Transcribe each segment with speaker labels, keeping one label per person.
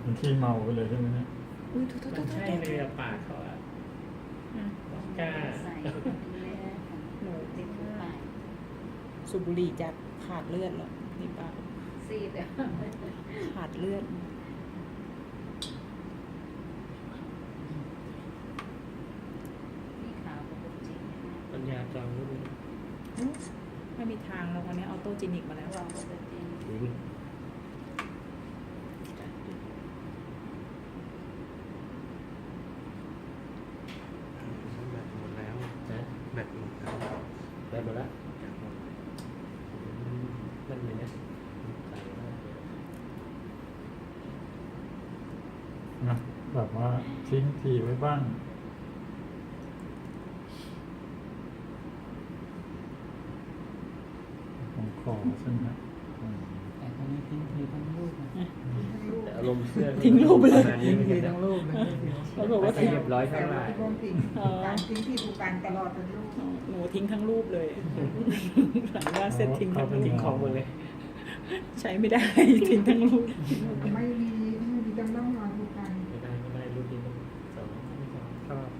Speaker 1: มันขี้เมาไปเลยใช่ไหมเนี่ย
Speaker 2: อุ้ยทุก
Speaker 3: มันใช่เลยอะปากเขาอะกล้า
Speaker 4: ใส่หนูติดปาก
Speaker 2: สูบบุหรี่จะขาดเลือดเหรอนี่ป้า
Speaker 4: ซีดอ่ะ
Speaker 2: ขาดเลือด
Speaker 4: มีขาวปกติ
Speaker 3: ปัญญาจองรู้ไหม
Speaker 2: ไม่มีทางแล้ววันนี้ออโต้จินิกมาแล้ว
Speaker 4: วางปกติ
Speaker 5: แบตหมดแล้ว
Speaker 3: นะ
Speaker 5: แบตหมดแล้ว
Speaker 3: ได้หมดละ
Speaker 5: แบตหมด
Speaker 3: นั่นเลยนะใส่มากเลย
Speaker 1: นะแบบว่าทิ้งทีไว้บ้างของคอใช่ไหมครับ
Speaker 6: แต่คนนี้ทิ้งทีทั้งลูกนะ
Speaker 3: แต่อารมณ์เสื้อ
Speaker 2: ทิ้งรูปไปเลย
Speaker 3: ประมาณนี้
Speaker 6: ทิ้ง
Speaker 3: เหมือน
Speaker 6: ที
Speaker 3: กัน
Speaker 6: ทั้
Speaker 3: นะ
Speaker 6: งลูกนะ
Speaker 2: เขาบอกว่า
Speaker 3: ไม่เรียบร้อยเท่าไหร่
Speaker 7: ร่วมทิ้งการทิ้งที่ผูกการตลอดเป็นลูก
Speaker 2: หนูทิ้งทั้งรูปเลยหลังว่าเสร็จทิ้งทั้งรู
Speaker 3: ทิ้ง
Speaker 2: ป
Speaker 3: ของหมดเลย
Speaker 2: ใช้ไม่ได้ ทิ้งทั้งรูป
Speaker 7: ไม่มีจำต้องรอผูกการ
Speaker 3: ไม่ได้รูปนี้ต้องสองไม่สองชอบ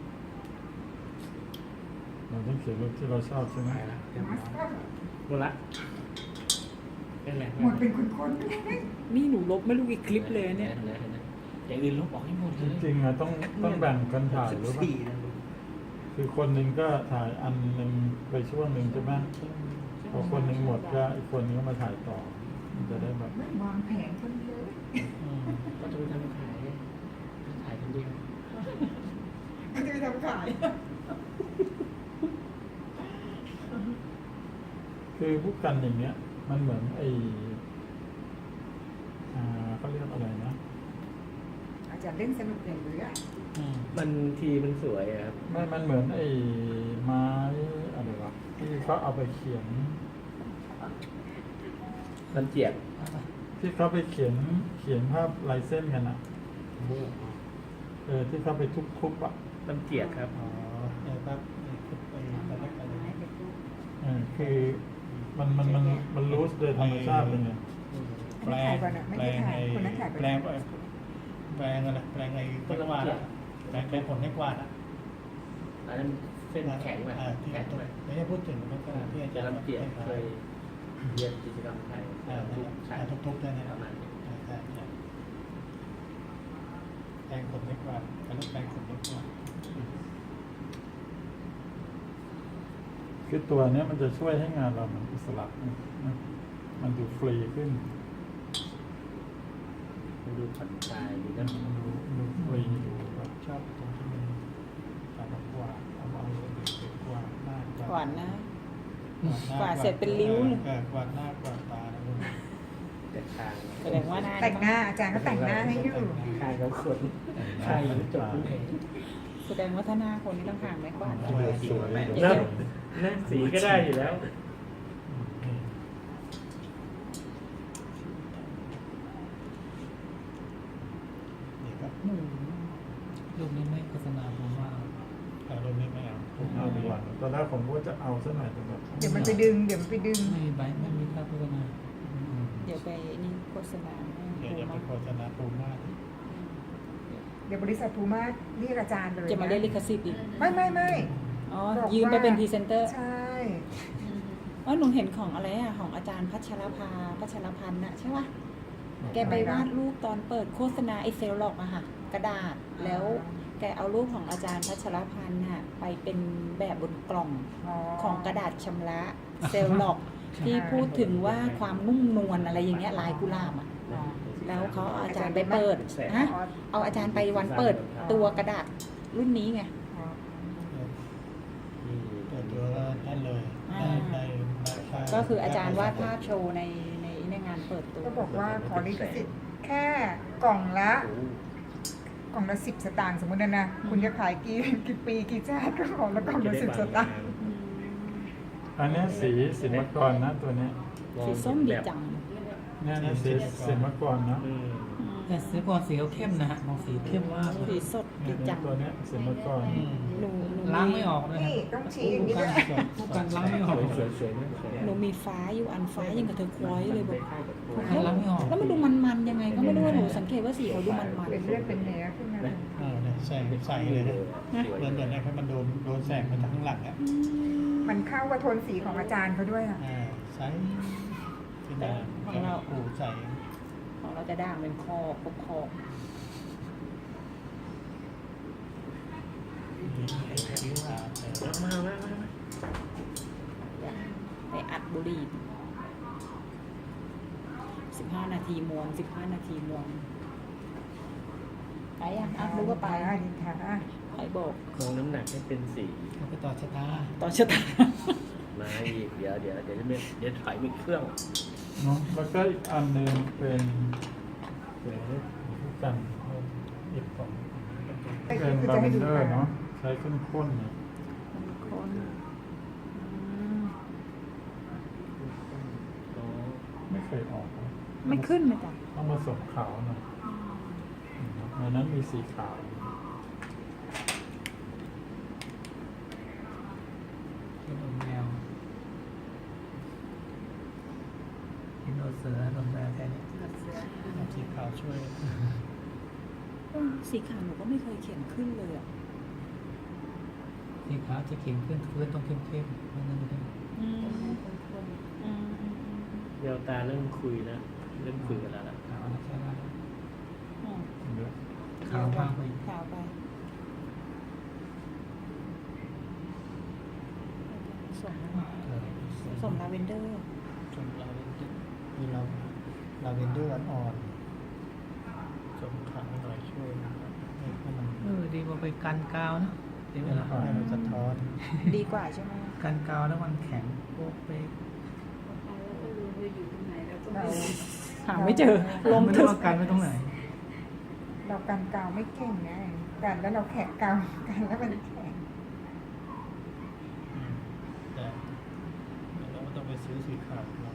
Speaker 1: เราต้องเขียนรูปที่เราชอบใช่ไหม
Speaker 5: ไปแล้วเรียบ
Speaker 7: มา
Speaker 5: ร้
Speaker 7: ส
Speaker 5: อย
Speaker 3: หมดละนั่นแหละ
Speaker 7: หมดเป็นคน
Speaker 2: นี่หนูลบไม่รู้กี่คลิปเลยเนี่ย
Speaker 3: อย่างอื่นลบออกให้หมด
Speaker 1: จ
Speaker 3: เลย
Speaker 1: ริงๆอะต้องแบ่งกันถ่ายหรือเปล่า
Speaker 5: 14นะลูก
Speaker 1: คือคนหนึ่งก็ถ่ายอันหนึ่งไปช่วงหนึ่งใช่ไหมพอคนหนึ่งหมดก็อีกคนนึงก็มาถ่ายต่อมันจะได้แบบ
Speaker 7: ไม่วางแผนคนเดียว
Speaker 3: ก็จะไปทำขายคนเดียว
Speaker 7: มันจะไปทำขาย
Speaker 1: คือพวกกันอย่างเงี้ย มันเหมือนไอเขาเรียกอะไรนะ
Speaker 7: อาจารย์เล่นสนุกอย่างเลยอ่ะ
Speaker 3: มันทีมันสวยอะครับ
Speaker 1: มันเหมือนไอ้ไม้อะไรวะที่เขาเอาไปเขียน
Speaker 3: มันเจียบ
Speaker 1: ที่เขาไปเขียนภาพลายเส้นกันอ่ะ
Speaker 5: มั่ว
Speaker 1: ที่เขาไปทุบๆอ่ะ
Speaker 3: มันเจียบครับ
Speaker 1: อ๋อ
Speaker 6: ครับไปตอนแรกอะไร
Speaker 4: ให้เป็นลูก
Speaker 1: คือมันรู้โดยธรรมชาติเลยไง
Speaker 6: แปลงแปลงไอ้แปลงอะไรแปลงไอ้ไม้กวาดอะแปลงผลไม้กวาดอะ
Speaker 3: อันนั้นเส้นแข็งไป
Speaker 6: ที่
Speaker 3: แข็งไป
Speaker 6: ไม่ได้พูดถึงไม้กวาดที่อา
Speaker 3: จะ
Speaker 6: จารย์
Speaker 3: ลำเจียบเคยเรียนกิจกรรมไทยทุกฉาก
Speaker 6: ทุกๆได้นะ
Speaker 3: ป
Speaker 6: ครั
Speaker 3: ระ
Speaker 6: บ
Speaker 3: มาณนี้
Speaker 6: แปลงผลไม้กวาดการเลือกแปลงผลไม้กวาด
Speaker 1: คือตัวเนี้ยมันจะช่วยให้งานเรามันอิสระนะมันดูฟรีขึ้น
Speaker 3: มันดูผ่อนคลายดีนะ
Speaker 1: มันดูฟรีดูแบบ
Speaker 6: ชอบตรงที่มันตาแบบกวาดเอากวาดหน้าก
Speaker 2: วาดนะ กวาดเสร็จเป็นริ้วเลย
Speaker 6: กวาดหน้ากวาดตานะลูก
Speaker 3: แต่คาง
Speaker 2: แสดงว่าหน้า
Speaker 7: แต่งหน้าอาจารย์ก็แต่งหน้าให้อยู่
Speaker 3: คางกับคนคางจบที่ไหน
Speaker 2: แสดงว่าถ้าหน้าคนนี้ต้องห่างไม้กวาด
Speaker 1: สวย
Speaker 3: แล้วนั่นสีก็ได้อยู่แล้ว
Speaker 6: นี่ครับ
Speaker 5: รูปนี้ไม่โฆษณาผมว่า
Speaker 6: รูปนี้ไม่เอา
Speaker 1: ผมเอาดีกว่าตอนแรกผมก็จะเอาสักหน่อยแต่แบบ
Speaker 7: เดี๋ยวมันไปดึง
Speaker 5: ไม่มีใบไม่มีค่าโฆษณา
Speaker 2: เดี๋ยวไปนี่โฆษณา
Speaker 6: เดี๋ยวจะไปโฆษณาปูมาก
Speaker 7: เดี๋ยวบริษัทภูมาเรียกอาจารย์เลย
Speaker 2: จะมาเรียกลิขสิทธิ์อีก
Speaker 7: ไม่
Speaker 2: อ๋อ ยืมไปเป็นพรีเซนเตอร์
Speaker 7: ใช่
Speaker 2: อ๋อหนูเห็นของอะไรอะของอาจารย์พัชรพันธ์นะใช่ปะแกไปวาดรูปตอนเปิดโฆษณาไอเซลล็อกอะค่ะ กระดาษแล้วแกเอารูปของอาจารย์พัชรพันธ์น่ะไปเป็นแบบบนกล่องของกระดาษชำระเซลล็อก ที่พูดถึงว่าความนุ่มนวลอะไรอย่างเงี้ยลายกุหลาบอะแล้วเขาเอาอาจารย์ไปเปิดฮะเอาอาจารย์ไปวันเปิดตัวกระดาษรุ่นนี้ไง
Speaker 6: เปิดตัวแล้วได้เลยได้ค่า
Speaker 2: ก็คืออาจารย์วาดภาพโชว์ในงานเปิดตัว
Speaker 7: ก็บอกว่าขอลิขสิทธิ์แค่กล่องละ10 สตางค์สมมตินะคุณจะขายกี่ปีกี่ชาติก็ขอละกล่องละ10 สตางค์
Speaker 1: อันเนี้ยสีสินมกรนะตัวเนี้ย
Speaker 2: สีส้มดีจัง
Speaker 1: เนี่ยนะสีสินมกรนะ
Speaker 3: อืม
Speaker 2: อืม
Speaker 5: แต่สีก่อนสีเขาเข้มนะฮะมองสีเข้มมากเล
Speaker 2: สี
Speaker 5: ย
Speaker 2: สด
Speaker 1: เนี่
Speaker 2: ดี
Speaker 1: ย
Speaker 2: จัง
Speaker 1: ตัวเนี้ยเสร็จเมื่อก่อน
Speaker 2: หนูมี
Speaker 5: ล้างไม่ออกเลย
Speaker 7: นี่ต้องชี้อย่างนี้ด้วย
Speaker 5: ผู้กันล้างไม่ออก
Speaker 3: สวยๆนะสวย
Speaker 2: หนูมีฟ้าอยู่อันฟ้ายังกับเธอควอยเลยบอก
Speaker 5: ผู้กันล้างไม่ออก
Speaker 2: แล้วมันดูมันๆยังไงก็ไม่รู้ว่าหนูสังเกตว่าสีเขาดูมัน
Speaker 7: เป็นเลือดเป็นเนื้อขึ้นมา
Speaker 6: เนี่ยแสงใสเลยนะเหมือนให้มันโดนแสงมาจากข้างหลังอ่ะ
Speaker 7: มันเข้ากับโทนสีของอาจารย์เขาด้วยอ่ะ
Speaker 6: ใสที่ไหนโอ้ใส
Speaker 2: ๆของเราจะด่างเป็นคอปกคอ
Speaker 3: มาก
Speaker 2: ไปอัดบุหรี่15 นาทีมวน15 นาทีมวนไปยังอัดรู้ว่าไป
Speaker 7: ดิค่ะ
Speaker 2: ใครบอก
Speaker 3: คงน้ำหนักให้เป็นสี
Speaker 5: เราไปต่อชะตา
Speaker 2: ตอนชะตา
Speaker 3: มาอีกเดี๋ยวถอยมีเครื่อง
Speaker 1: เนาะแล้วก็อีกอันหนึ่งเป็นเดี๋ยวผู้กันอีกของ
Speaker 7: แต่
Speaker 1: เป็น
Speaker 7: คือ
Speaker 1: ลา
Speaker 7: จะ
Speaker 1: เว
Speaker 7: ให้
Speaker 1: น
Speaker 7: ดู
Speaker 1: เดอร์เนาะใช้ข้นๆเนี่ย
Speaker 2: คน
Speaker 1: ไม่เคยออกนะ
Speaker 2: ไม่ขึ้นเลยจ้ะ
Speaker 1: ต้องผสมขาวหน่อยในนั้นมีสีขาว
Speaker 5: เป็นอมแมวเป็นโอเสือลมแมวแค่นี้
Speaker 6: สีขาวช่วย
Speaker 2: สีขาวหนูก็ไม่เคยเขียนขึ้นเลยอ่ะ
Speaker 5: สีขาวจะเข็มขึ้นพื้นต้องเข้มๆไม่นั่นเลย
Speaker 3: เดี๋ยวตาเริ่มคุยแล้วเริ่มคุยกันแล้วล่ะ
Speaker 5: ขาวนะใช่ไหม
Speaker 1: เยอะ
Speaker 5: ขาวมากไป
Speaker 2: ขาวไปสมสมลาเวนเดอร์
Speaker 6: จนเรามีลาเวนเดอร์อ่อนๆจมขาวหน่อยช่วยนะครับให้มัน
Speaker 5: ดีกว่าไปกันกาวนะดีไหมล่ะ
Speaker 6: ให้มันสะท้อน
Speaker 2: ดีกว่าใช่ไหม
Speaker 5: กันกาวแล้วมันแข็งโป๊กเป๊ก
Speaker 4: แล้วก็รู้ว่าอยู่ตรงไหนแล้วก็
Speaker 7: เรา
Speaker 2: หาไม่เจอลม
Speaker 5: ไม่
Speaker 2: ทึ
Speaker 5: รู้
Speaker 2: บ
Speaker 5: ว่ากันไว้ตรงไหน
Speaker 7: เรากันกาวไม่เก่งไงกันแล้วเราแขะกาวกันแล้วมันแข็ง
Speaker 6: แต่เราต้องไปซื้อสีขาวมา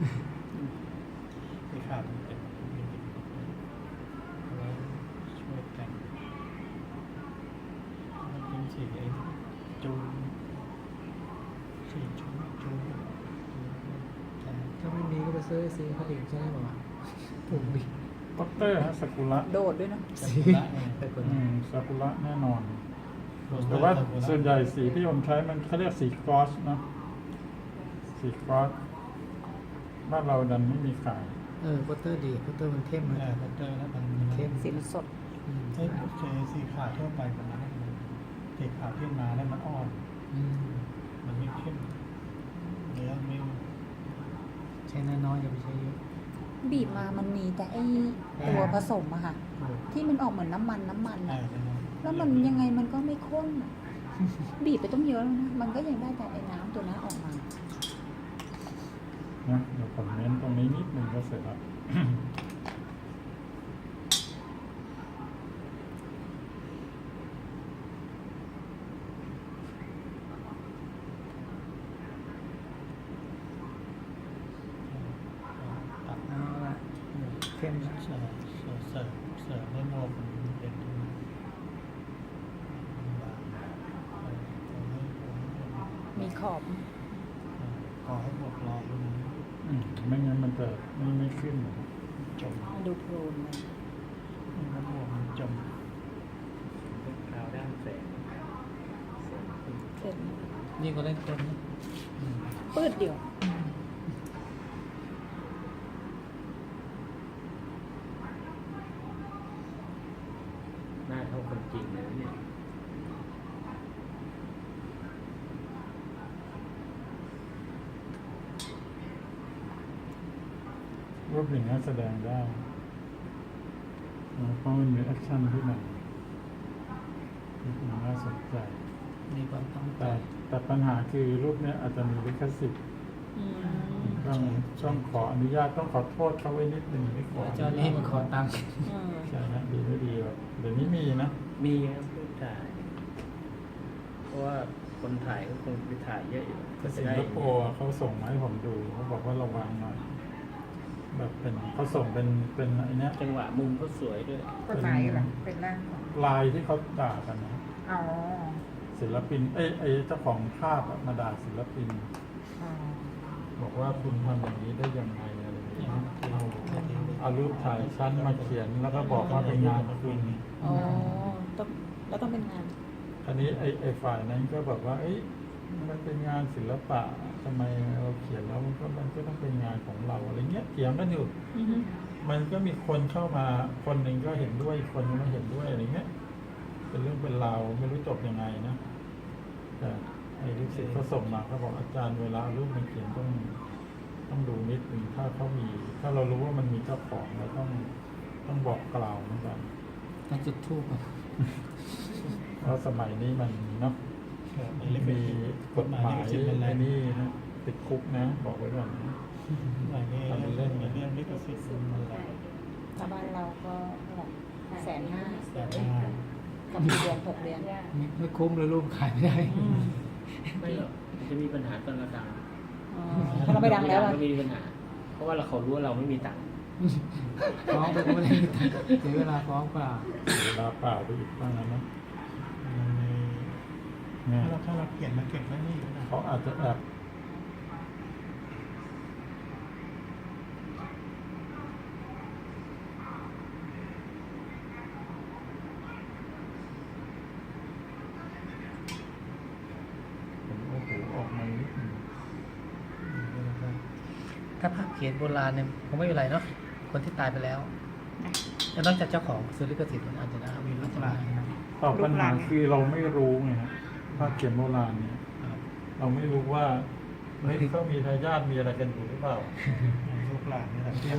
Speaker 6: สีขาวมันเป็นเอาไว้ช่วยแต่งมันเป็นสีไอ้จูนสีจูนแต่
Speaker 5: ถ้าไม่มีก็ไปซื้อสีเขาเองใช่ไหมบอกว่าถูกดิ
Speaker 1: ด็อกเตอร์ฮะซากุระ
Speaker 2: โดดด้วยนะ
Speaker 6: สีละไง
Speaker 5: แต่คน
Speaker 1: ซากุระแน่นอน แต่ว่าส่วนใหญ่สีที่ผมใช้มันเขาเรียกสีครอสเนาะสีครอสบ้านเราดันไม่มีขาย
Speaker 5: โปสเตอร์ดีโปสเตอร์มันเข้มนะ
Speaker 6: บัตเตอร์แล้วมัน
Speaker 5: เข้ม
Speaker 2: สีมันสด
Speaker 6: เอ้ยโอเคสีขาวทั่วไปประมาณนั้นสีขาวที่มาแล้วมันอ่อน มันไม่เข้มเนื้อไม่
Speaker 5: ใช้น้อยๆอย่าไปใช้เยอะ
Speaker 2: บีบมามันมีแต่ไอตัวผสมอะค่ะ ที่มันออกเหมือนน้ำมันอะแล้วมันยังไงมันก็ไม่ข้นอะบีบไปต้องเยอะแล้วนะ มันก็ยังได้แต่ไอ้น้ำตัวนั้นออกมา
Speaker 1: นะเดี๋ยวผมเน้นตรงนี้นิดหนึ่งก็เสร็จแล้ว
Speaker 6: ตัด
Speaker 5: เอาละเข้มนะ
Speaker 6: เสิร์ฟให้โมมันเป็น
Speaker 2: มีขอบ
Speaker 6: ขอให้บวกรอตรงนี้
Speaker 1: ไม่งั้นมันจะไม่ขึ้น
Speaker 6: จม
Speaker 2: มันดูโพลนเลย
Speaker 6: น้ำบวกมันจม
Speaker 3: เป็นขาวด้านแสง
Speaker 2: เสร็จ
Speaker 5: นี่ก็เล่นคนนะ
Speaker 2: ปืดเดียว
Speaker 3: หน้าเท่าคนจริงเลยเนี่ย
Speaker 1: รูปอย่างนี้แสดงได้เพราะมันมีแอคชั่นที่มันน่าสนใจ
Speaker 5: มีความตั้งใจ
Speaker 1: แต่ปัญหาคือรูปเนี้ยอาจจะมีลิขสิทธิ์ต้องขออนุญาตต้องขอโทษเขาไว้นิดหนึ่งไม่ขอ
Speaker 5: เจ้านี้มาขอตังค์
Speaker 1: ใช่นะดีไม่ดีแบบเดี๋ยวนี้มีนะ
Speaker 3: มีครับผู้ถ่าย เพราะว่าคนถ่ายก็คงไปถ่ายเยอะอยู่ก็จะ
Speaker 1: สิง
Speaker 3: ได้
Speaker 1: คโปร์อะเขาส่งมาให้ผมดูเขาบอกว่าระวังหน่อยแบบเป็นเขาส่งเป็นไอ้เนี้ย
Speaker 3: จังหวะมุมก็สวยด้วย
Speaker 7: กฎหมายเหรอเป็นร่างของ
Speaker 1: ลายที่เขาด่ากันนะ
Speaker 7: อ๋อ
Speaker 1: ศิลปินไอ้เจ้าของภาพอะมาด่าศิลปิน
Speaker 7: อ๋อ
Speaker 1: บอกว่าคุณทำอย่างนี้ได้ยังไงอะไรอย่างเงี้ยเอารูปถ่ายชั้นมาเขียนแล้วก็บอกว่าเป็นงานคุณ
Speaker 2: อ๋อต้องแล้วต้องเป็นงาน
Speaker 1: อันนี้ไอ้ฝ่ายนั้นก็บอกว่า เอ้ยมันเป็นงานศิลปะทำไมเราเขียนแล้วมันก็ต้องเป็นงานของเราอะไรเงี้ยเถียงกันอยู่
Speaker 2: อือฮึ
Speaker 1: มันก็มีคนเข้ามาคนหนึ่งก็เห็นด้วยอีกคนนึงไม่เห็นด้วยอะไรเงี้ยเป็นเรื่องเป็นราวไม่รู้จบยังไงนะแต่ไอ้ลูกศิษย์เขาส่งมาเขาบอกอาจารย์เวลาเอารูปมันเขียนต้องดูนิดนึงถ้าเขามี ถ้าเรารู้ว่ามันมีเจ้าของเราต้องบอกกล่าวเหมือนกัน
Speaker 5: ต้องจุดทูบ
Speaker 1: เพราะสมัยนี้มันเนาะมีกฎหมายไอ้นี่นะติดคุกนะบอกไว้ก่อนนะ
Speaker 6: หลายเรื่องเรื่องลิขสิทธิ์มันหลาย
Speaker 2: ถ้าบ้านเราก็150,000
Speaker 6: แต่ว่า
Speaker 2: กับเดือน6 เดือน
Speaker 5: ไม่คุ้มเลยรูปขายไม่ได้
Speaker 3: ไม่หรอกมันจะมีปัญหาตอนเราดัง
Speaker 2: อ๋อถ้าเราไม่ดังแล้วอะ
Speaker 3: ก็มีปัญหา เพราะว่าเขารู้ว่าเราไม่มีตังค์
Speaker 5: ฟ้องไปก็ไม่ได้เสียเวลาฟ้องเปล่า
Speaker 1: เวลาเปล่าไปอีกบ้างนะ
Speaker 6: ในถ้าเราเขียนมาเก็บไว้นี่นะ
Speaker 1: เขาอาจจะแอบผมโอ้โหออกมานิดนึง
Speaker 5: ถ้าภาพเขียนโบราณเนี่ยคงไม่เป็นไรเนาะคนที่ตายไปแล้วแต่นอกจากเจ้าของซื้อลิขสิทธิ์มันอาจจะได้มีลูกหลาน
Speaker 1: ตอบปัญหาคือเราไม่รู้ไงฮะภาพเขียนโบราณเนี่ย เราไม่รู้ว่าเฮ้ยเขามีทายาทมีอะไรกันอยู่หรือเปล่า
Speaker 6: ลูกหลานนี่แหละ